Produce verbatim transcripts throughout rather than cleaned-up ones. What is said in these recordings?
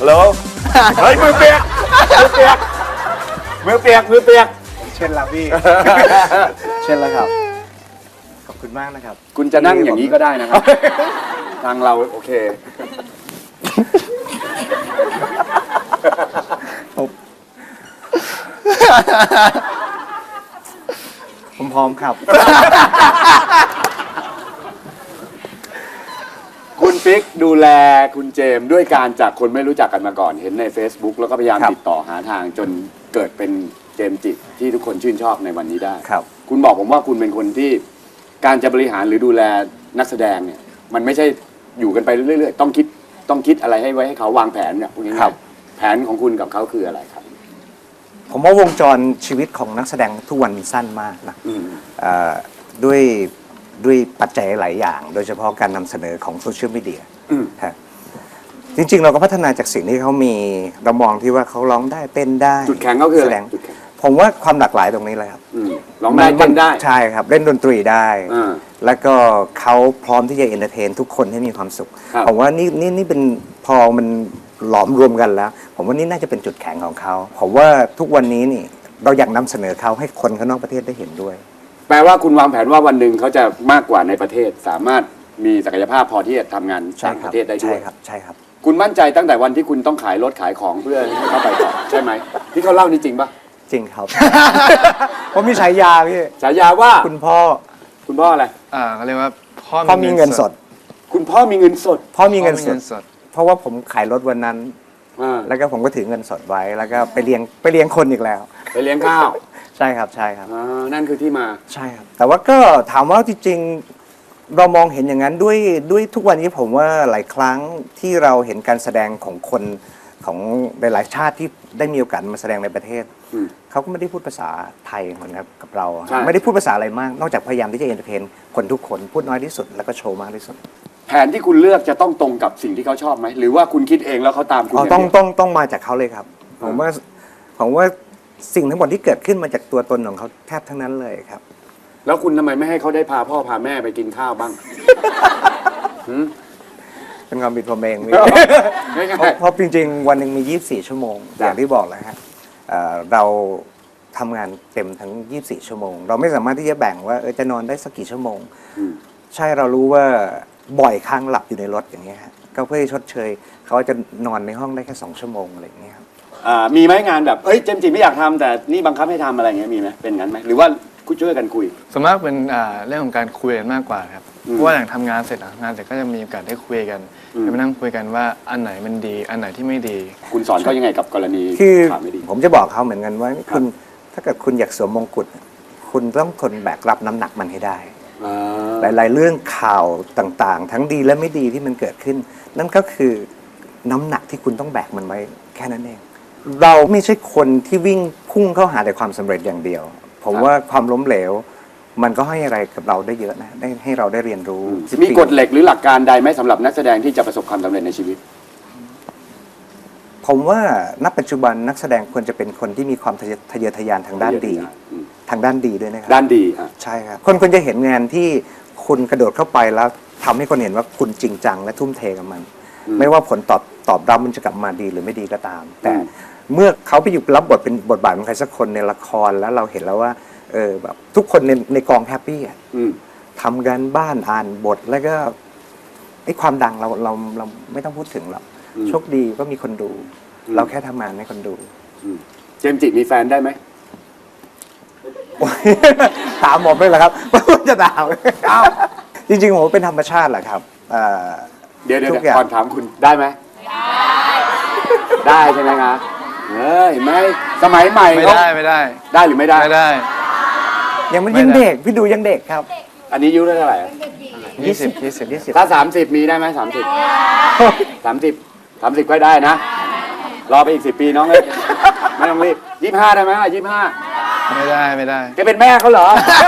ฮัลโหลเฮ้ยมือเปียกมือเปียกมือเปียกมือเปียกเช่นละพี่ เช่นละครับขอบคุณมากนะครับคุณจะนั่งอย่างนี้ก็ได้นะครับทางเราโอเคผมพร้อมครับคุณปิ๊กดูแลคุณเจมส์ด้วยการจากคนไม่รู้จักกันมาก่อนเห็นใน Facebook แล้วก็พยายามติดต่อหาทางจนเกิดเป็นเจมส์จิที่ทุกคนชื่นชอบในวันนี้ได้ครับคุณบอกผมว่าคุณเป็นคนที่การจะบริหารหรือดูแลนักแสดงเนี่ยมันไม่ใช่อยู่กันไปเรื่อยๆต้องคิดต้องคิดอะไรให้ไว้ให้เขาวางแผนเนี่ยพวกนี้ครับแผนของคุณกับเขาคืออะไรครับผมว่าวงจรชีวิตของนักแสดงทุกวันสั้นมากนะด้วยด้วยปัจจัยหลายอย่างโดยเฉพาะการนำเสนอของโซเชียลมีเดียจริงๆเราก็พัฒนาจากสิ่งที่เขามีเรามองที่ว่าเขาร้องได้เต้นได้จุดแข็งเขาคืออะไรผมว่าความหลากหลายตรงนี้เลยครับร้องได้เต้นได้ใช่ครับเล่นดนตรีได้แล้วก็เขาพร้อมที่จะเอนเตอร์เทนทุกคนให้มีความสุขผมว่านี่นี่นี่เป็นพอมันหลอมรวมกันแล้วผมว่านี่น่าจะเป็นจุดแข็งของเขาผมว่าทุกวันนี้นี่เราอยากนำเสนอเขาให้คนข้างนอกประเทศได้เห็นด้วยแปลว่าคุณวางแผนว่าวันหนึ่งเขาจะมากกว่าในประเทศสามารถมีศักยภาพพอที่จะทำงานต่างประเทศได้ด้วยใช่ครับใช่ครับคุณมั่นใจตั้งแต่วันที่คุณต้องขายรถขายของเพื่อให้เขาไปต่อใช่ไหมที่เขาเล่านี่จริงปะจริงครับผมมีฉายาพี่ฉายาว่าคุณพ่อคุณพ่ออะไรอ่าเขาเรียกว่าพ่อพ่อมีเงินสดคุณพ่อมีเงินสดพ่อมีเงินสดเพราะว่าผมขายรถวันนั้นแล้วก็ผมก็ถือเงินสดไว้แล้วก็ไปเลี้ยงไปเลี้ยงคนอีกแล้วไปเลี้ยงข้าวใช่ครับใช่ครับนั่นคือที่มาใช่ครับแต่ว่าก็ถามว่าจริงๆเรามองเห็นอย่างนั้นด้วยด้วยทุกวันนี้ผมว่าหลายครั้งที่เราเห็นการแสดงของคนของหลายๆชาติที่ได้มีโอกาสมาแสดงในประเทศเขาก็ไม่ได้พูดภาษาไทยเหมือนกับเราไม่ได้พูดภาษาอะไรมากนอกจากพยายามที่จะเอนเตอร์เทนคนทุกคนพูดน้อยที่สุดแล้วก็โชว์มากที่สุดแผนที่คุณเลือกจะต้องตรงกับสิ่งที่เขาชอบไหมหรือว่าคุณคิดเองแล้วเขาตามคุณต้องต้องต้องมาจากเขาเลยครับผมว่าผมว่าสิ่งทั้งหมดที่เกิดขึ้นมาจากตัวตนของเขาแทบทั้งนั้นเลยครับแล้วคุณทำไมไม่ให้เขาได้พาพ่อพาแม่ไปกินข้าวบ้างเป็นความผิดผมเองเพราะจริงๆวันหนึ่งมียี่สิบสี่ชั่วโมงอย่างที่บอกแล้วฮะเราทำงานเต็มทั้งยี่สิบสี่ชั่วโมงเราไม่สามารถที่จะแบ่งว่าเออจะนอนได้สักกี่ชั่วโมงใช่เรารู้ว่าบ่อยครั้งหลับอยู่ในรถอย่างเงี้ยฮะก็เพื่อชดเชยเขาจะนอนในห้องได้แค่สองชั่วโมงอะไรอย่างเงี้ยครับมีไหมงานแบบเอ้ยเจมส์จิไม่อยากทำแต่นี่บังคับให้ทำอะไรเงี้ยมีไหมเป็นงั้นไหมหรือว่าคุยช่วยกันคุยส่วนมากเป็นเรื่องของการคุยกันมากกว่าครับเพราะว่าหลังทำงานเสร็จหลังงานเสร็จก็จะมีโอกาสได้คุยกันมานั่งคุยกันว่าอันไหนมันดีอันไหนที่ไม่ดีคุณสอนเขายังไงกับกรณีคือผมจะบอกเขาเหมือนกันว่าคุณถ้าเกิดคุณอยากสวมมงกุฎคุณต้องทนแบกรับน้ำหนักมันให้ได้หลายๆเรื่องข่าวต่างๆทั้งดีและไม่ดีที่มันเกิดขึ้นนั่นก็คือน้ำหนักที่คุณต้องแบกมันไว้แค่นั้นเองเราไม่ใช่คนที่วิ่งพุ่งเข้าหาแต่ความสำเร็จอย่างเดียวผมว่าความล้มเหลวมันก็ให้อะไรกับเราได้เยอะนะได้ให้เราได้เรียนรู้มีกฎเหล็กหรือหลักการใดไหมสำหรับนักแสดงที่จะประสบความสำเร็จในชีวิตผมว่าณปัจจุบันนักแสดงควรจะเป็นคนที่มีความทะเยอทะยานทางด้านดีทางด้านดีด้วยนะครับด้านดีใช่ครับคนควรจะเห็นงานที่คุณกระโดดเข้าไปแล้วทำให้คนเห็นว่าคุณจริงจังและทุ่มเทกับมันไม่ว่าผลตอบตอบรับมันจะกลับมาดีหรือไม่ดีก็ตามแต่เมื่อเขาไปอยู่รับบทเป็นบทบาทของใครสักคนในละครแล้วเราเห็นแล้วว่าเออแบบทุกคนในในกองแฮปปี้อ่ะทำกันบ้านอ่านบทแล้วก็ไอ้ความดังเราเราเราไม่ต้องพูดถึงหรอกโชคดีก็มีคนดูเราแค่ทำงานให้คนดูเจมส์จิมีแฟนได้ไหมถามผมเลยเหรอครับว่าจะถามจริงๆผมเป็นธรรมชาติแหละครับเดี๋ยวเดี๋ยวก่อนถามคุณได้ไหมได้ใช่ไหมครับเฮ้ยไม่สมัยใหม่ไม่ได้ไม่ได้ได้หรือไม่ได้ไม่ได้ยังมันยังเด็กพี่ดูยังเด็กครับอันนี้อายุเท่าไหร่ยี่สิบยี่สิบยี่สิบถ้าสามสิบมีได้ไหมสามสิบสามสิบสามสิบก็ได้นะรอไปอีกสิบปีน้องเลยไม่ต้องรีบยี่สิบห้าได้ไหมยี่สิบห้าไม่ได้ไม่ได้แกเป็นแม่เขาเหรอ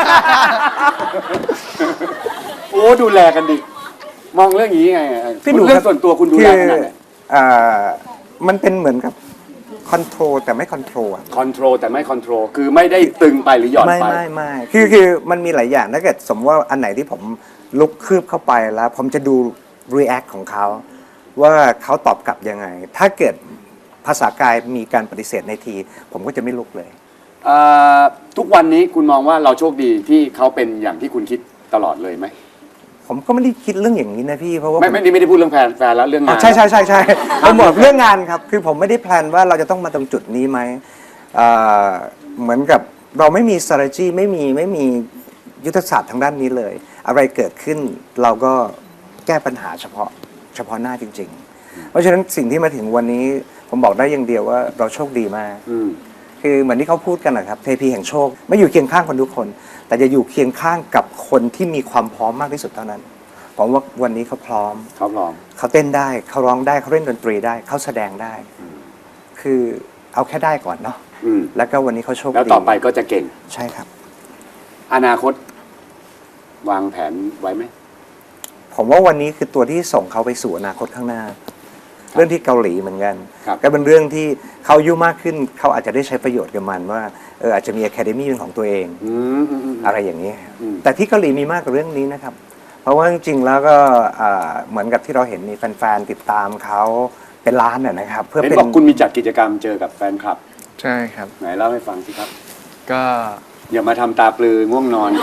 โอ้ดูแลกันดิมองเรื่องนี้ไงพี่ดูเรื่องส่วนตัวคุณดูแลขนาดไหนมันเป็นเหมือนกับคอนโทรลแต่ไม่คอนโทรลอะคอนโทรลแต่ไม่คอนโทรลคือไม่ได้ตึงไปหรือหย่อนไปไม่ไม่ไม่คือคือมันมีหลายอย่างถ้าเกิดสมมติว่าอันไหนที่ผมลุกคืบเข้าไปแล้วผมจะดูรีแอคของเขาว่าเขาตอบกลับยังไง ถ้าเกิดภาษากายมีการปฏิเสธในที ผมก็จะไม่ลุกเลยเอ่อทุกวันนี้คุณมองว่าเราโชคดีที่เขาเป็นอย่างที่คุณคิดตลอดเลยไหมผมก็ไม่ได้คิดเรื่องอย่างนี้นะพี่เพราะว่าไม่ไม่นี่ไม่ได้พูดเรื่องแฟนแฟนแล้วเรื่องงานใช่ใช่ใช่ใช่ผมบอกเรื่องงานครับ คือผมไม่ได้แพลนว่าเราจะต้องมาตรงจุดนี้ไหมเอ่อเหมือนกับเราไม่มี strategy ไม่มีไม่มียุทธศาสตร์ทางด้านนี้เลย อะไรเกิดขึ้นเราก็แก้ปัญหาเฉพาะเฉพาะหน้าจริง ๆ เพราะฉะนั้นสิ่งที่มาถึงวันนี้ผมบอกได้อย่างเดียวว่าเราโชคดีมากอืมคือเหมือนที่เขาพูดกันนะครับเทพีแห่งโชค ไม่อยู่เคียงข้างคนทุกคน แต่จะอยู่เคียงข้างกับคนที่มีความพร้อมมากที่สุดเท่านั้นผมว่าวันนี้เขาพร้อมเขาพร้อมเขาเต้นได้เขาร้องได้เขาเล่นดนตรีได้เขาแสดงได้ คือเอาแค่ได้ก่อนเนาะอืมแล้วก็วันนี้เขาโชคดีแล้วต่อไปก็จะเก่งใช่ครับอนาคต วางแผนไว้ไหมผมว่าวันนี้คือตัวที่ส่งเขาไปสู่อนาคตข้างหน้า เรื่องที่เกาหลีเหมือนกันครับก็เป็นเรื่องที่เขาอายุมากขึ้น เขาอาจจะได้ใช้ประโยชน์กับมันว่าเอออาจจะมีอะคาเดมี่เป็นของตัวเองอืมอืมอืมอะไรอย่างนี้ครับอืมแต่ที่เกาหลีมีมากกว่าเรื่องนี้นะครับ เพราะว่าจริงๆแล้วก็อ่าเหมือนกับที่เราเห็นมีแฟนๆติดตามเขาเป็นล้านน่ะนะครับ เพื่อเห็นเป็นบอกคุณมีจัดกิจกรรมเจอกับแฟนคลับใช่ครับไหนเล่าให้ฟังสิครับก็อย่ามาทำตาปลือง่วงนอน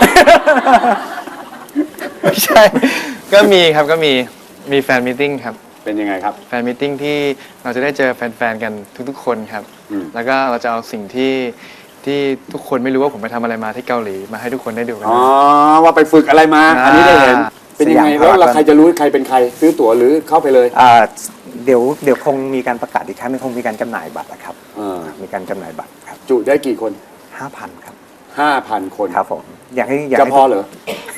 ไม่ใช่ ก็มีครับก็มีมีแฟนมิทติ้งครับเป็นยังไงครับแฟนมิทติ้งที่เราจะได้เจอแฟนๆกันทุกๆคนครับอืมแล้วก็เราจะเอาสิ่งที่ที่ทุกคนไม่รู้ว่าผมไปทำอะไรมาที่เกาหลีมาให้ทุกคนได้ดูกันอ๋อ ว่าไปฝึกอะไรมา อันนี้ได้เห็นอ่าเป็นยังไงสยามแล้วเราพารากอนใครจะรู้ใครเป็นใคร ซื้อตั๋วหรือเข้าไปเลยอ่าเดี๋ยวเดี๋ยวคงมีการประกาศอีกครั้งหนึงคงมีการจำหน่ายบัตรนะครับเออมีการจำหน่ายบัตรครับจุได้กี่คนห้าพันครับห้าพันคนครับผมอยากให้อยากจะให้พอเหรอ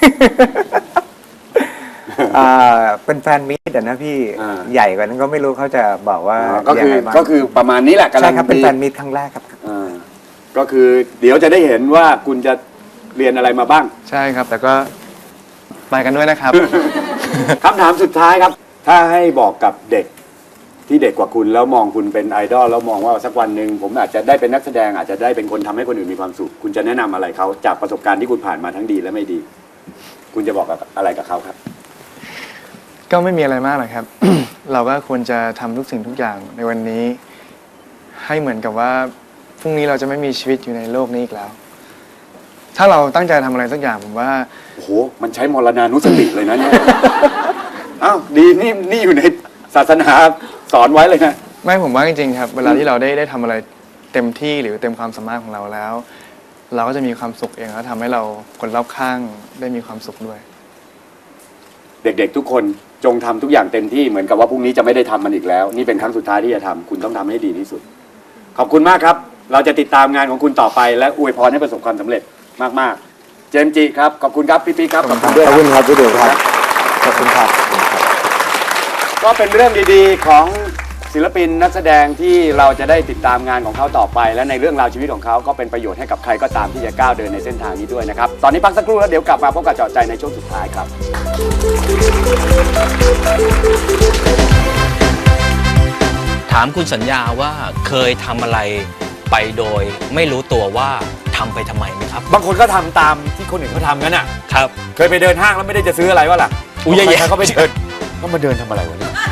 อ่าเป็นแฟนมิตรอะนะพี่อ่าใหญ่กว่านั้นก็ไม่รู้เขาจะบอกว่าอ๋อก็ยัคืงอไงบ้างก็คือประมาณนี้แหละกำลัใช่งครับเป็นดีแฟนมิตรครั้งแรกครับอ่าก็คือเดี๋ยวจะได้เห็นว่าคุณจะเรียนอะไรมาบ้างใช่ครับ แต่ก็ไปกันด้วยนะครับคำถามสุดท้ายครับ ถ้าให้บอกกับเด็กที่เด็กกว่าคุณแล้วมองคุณเป็นไอดอลแล้วมองว่าสักวันหนึ่งผมอาจจะได้เป็นนักแสดงอาจจะได้เป็นคนทำให้คนอื่นมีความสุข คุณจะแนะนำอะไรเขาจากประสบการณ์ที่คุณผ่านมาทั้งดีและไม่ดี คุณจะบอกกับอะไรกับเขาครับก็ไม่มีอะไรมากหรอกครับ เราก็ควรจะทำทุกสิ่งทุกอย่างในวันนี้ ให้เหมือนกับว่าพรุ่งนี้เราจะไม่มีชีวิตอยู่ในโลกนี้อีกแล้ว ถ้าเราตั้งใจทำอะไรสักอย่างผมว่าโอ้โห มันใช้มรณานุสติเลยนะเนี่ย อ้าวดีนี่นี่อยู่ในศาสนาสอนไว้เลยนะไม่ผมว่าจริงๆครับ เวลาที่เราได้ได้ทำอะไรเต็มที่หรือเต็มความสามารถของเราแล้ว เราก็จะมีความสุขเองแล้วทำให้เราคนรอบข้างได้มีความสุขด้วยเด็กๆทุกคนจงทำทุกอย่างเต็มที่เหมือนกับว่าพรุ่งนี้จะไม่ได้ทำมันอีกแล้ว นี่เป็นครั้งสุดท้ายที่จะทำคุณต้องทำให้ดีที่สุด ขอบคุณมากครับ เราจะติดตามงานของคุณต่อไป และอวยพรให้ประสบความสำเร็จมากๆ เจมส์จิครับขอบคุณครับพี่ปีครับขอบคุณด้วยขอบคุณครับพี่เดียวครับขอบคุณครับก็เป็นเรื่องดีๆของศิลปินนักแสดงที่เราจะได้ติดตามงานของเขาต่อไป และในเรื่องราวชีวิตของเขาก็เป็นประโยชน์ให้กับใครก็ตามที่จะก้าวเดินในเส้นทางนี้ด้วยนะครับตอนนี้พักสักครู่แล้วเดี๋ยวกลับมาพบกับเจาะใจในช่วงสุดท้ายครับถามคุณสัญญาว่าเคยทำอะไรไปโดยไม่รู้ตัวว่าทำไปทำไมไหมครับบางคนก็ทำตามที่คนอื่นเขาทำงั้นอ่ะครับเคยไปเดินห้างแล้วไม่ได้จะซื้ออะไรวะล่ะอุ๊ยแย่ๆใครๆเขาไปเดินก็มาเดินทำอะไรวะเนี่ย